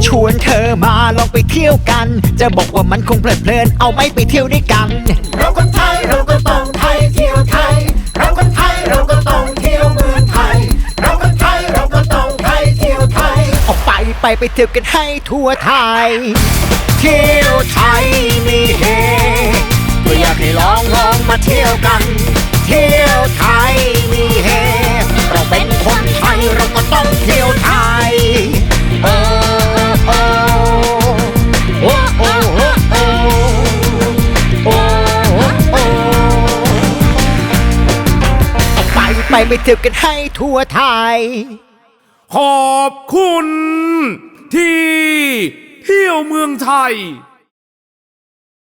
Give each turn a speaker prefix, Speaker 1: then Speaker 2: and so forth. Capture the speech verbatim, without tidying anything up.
Speaker 1: ชวนเธอมาลองไปเที่ยวกัน จะบอกว่ามันคงเพลิดเพลินเอาไหม่ไปเที่ยวด้วยกัน
Speaker 2: เราคนไทยเราก็ต้องไทยเที่ยวไทยเราคนไทยเราก็ต้องเที่ยวเมืองไทยเราคนไทยเราก็ต้องไทยเที่ยวไทย
Speaker 1: ออกไปไปไปเที่ยวกันให้ทั่วไทยเที่ยวไทยมีเฮก็อยากให้ลองลองมาเที่ยวกันเที่ยวไทยมีเฮเราเป็นคนไทยเราก็ต้องเที่ยวไทยโอ้โอ้โอ้โอ้โอ้โอ้โอ้ออกไปไปไปเที่ยวกันให้ทั่วไทย
Speaker 3: ขอบคุณที่เที่ยวเมืองไทย